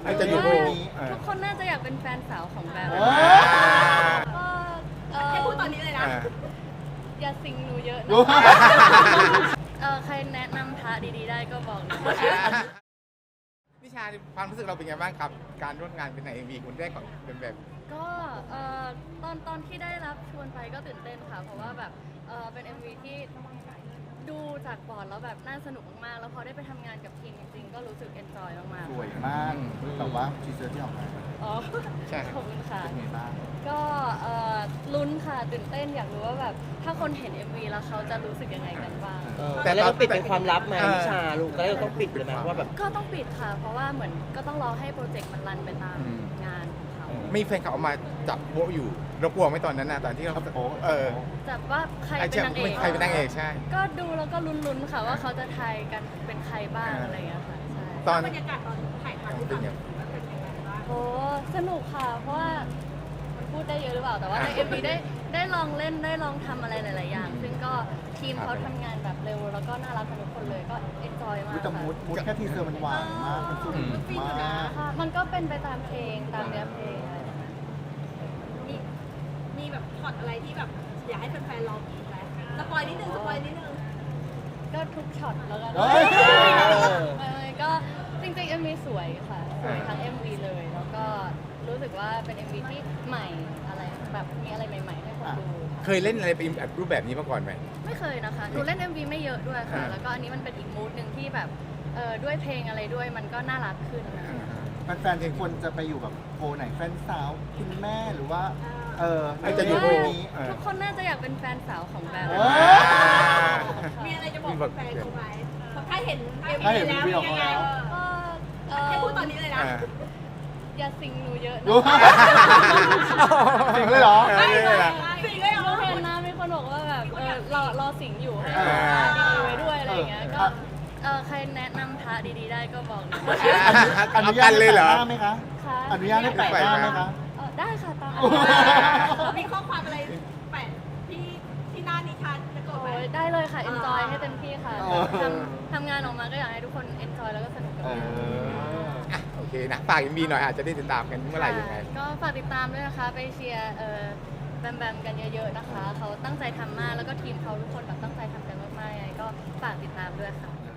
อาจจะอยู่นี้ทุกคนน่าจะอยากเป็นแฟนสาวของแบม ก็ให้พูดตอนนี้เลยนะอย่าสิงหนูเยอะนะใครแนะนำพระดีๆได้ก็บอกหนูนิชาความรู้สึกเราเป็นไงบ้างครับ การร่วมงานเป็นในเอ็มวีคุณแรกของเป็นแบบก็ตอนที่ได้รับชวนไปก็ตื่นเต้นค่ะ เพราะว่าแบบเป็น MV ที่ดูจากบอร์ดแล้วแบบน่าสนุกมากๆแล้วพอได้ไปทำงานกับทีมจริงๆก็รู้สึกเอนจอยมากๆสวยมากแต่ว่าทีเซอร์ที่ออกมาอ๋อใช่ขอบคุณค่ะเป็นไงบ้างก็ลุ้นค่ะตื่นเต้นอยากรู้ว่าแบบถ้าคนเห็น MV แล้วเขาจะรู้สึกยังไงกันบ้างแต่เราปิดเป็นความลับไหมนิชาลูกตอนแรกเราต้องปิดเลยไหมว่าแบบก็ต้องปิดค่ะ เพราะว่าเหมือนก็ต้องรอให้โปรเจกต์มันรันไปตามงานของเขามีแฟนเขาเอามาจับโป๊ะอยู่เรากลัวไหมตอนนั้นนะตอนที่เราแต่ว่าใครเป็นนางเอกใครเป็นนางเอกใช่ก็ดูแล้วก็ลุ้นๆค่ะว่าเขาจะทายกันเป็นใครบ้างอะไรอย่างเงี้ยค่ะใช่ตอนบรรยากาศตอนถ่ายทำที่ต่างมันเป็นยังไงบ้างโอ้สนุกค่ะ เพราะว่ามันพูดได้เยอะหรือเปล่าแต่ว่าใน MV ได้ลองเล่นได้ลองทำอะไรหลายๆอย่าง ซึ่งก็ทีมเขาทำงานแบบเร็วแล้วก็น่ารักกันทุกคนเลยก็เอนจอยมากแต่ค่ะมูดแค่ทีเซอร์มันหวานมาก มันสนุกมากค่ะมันก็เป็นไปตามเพลงตามเนื้อเพลงมีแบบช็อตอะไรที่แบบอยากให้แฟนๆรอกินไหมสปอยนิดนึงก็ทุกช็อตแล้วกันเฮ้ยก็จริงๆ MV สวยค่ะ สวยทั้ง MV เลย แล้วก็รู้สึกว่าเป็น MV ที่ใหม่อะไรแบบมีอะไรใหม่ๆให้คนดูเคยเล่นอะไรเป็นแบบรูปแบบนี้มาก่อนไหมไม่เคยนะคะหนูเล่น MV ไม่เยอะด้วยค่ะ แล้วก็อันนี้มันเป็นอีกมูดหนึ่งที่แบบด้วยเพลงอะไรด้วยมันก็น่ารักขึ้นนะคะแฟนๆควรจะไปอยู่แบบโพลไหนแฟนสาวคุณแม่หรือว่าอาจจะอยู่โพลนี้ทุกคนน่าจะอยากเป็นแฟนสาวของแบมมีอะไรจะบอกแฟนๆเขาไหมถ้าเห็นถ้าเห็นแล้ววิวยังไงก็ให้พูดตอนนี้เลยนะอย่าสิงหนูเยอะนะจริงเลยเหรอสิ่งเลยเหรอหนูเห็นนะมีคนบอกว่าแบบรอสิงอยู่ให้ดีๆไว้ด้วยอะไรอย่างเงี้ยก็ใครแนะนำพระดีๆได้ก็บอกหนูอนุญาตเลยเหรอให้แปะหน้าไหมคะค่ะอนุญาตให้แปะหน้าไหมคะได้ค่ะตามมีข้อความอะไรแปะที่หน้านิทานจะกดไหมโอ้ยได้เลยค่ะ enjoy ให้เต็มที่ค่ะทำงานออกมาก็อยากให้ทุกคน enjoy แล้วก็สนุกกับมันโอเคนะฝากยังมีหน่อยอาจจะได้ติดตามกันเมื่อไหร่ยังไงก็ฝากติดตามด้วยนะคะ ไปเชียร์แบมกันเยอะๆนะคะ เขาตั้งใจทำมากแล้วก็ทีมเขาทุกคนแบบตั้งใจทำกันมากๆยังไงก็ฝากติดตามด้วยค่ะ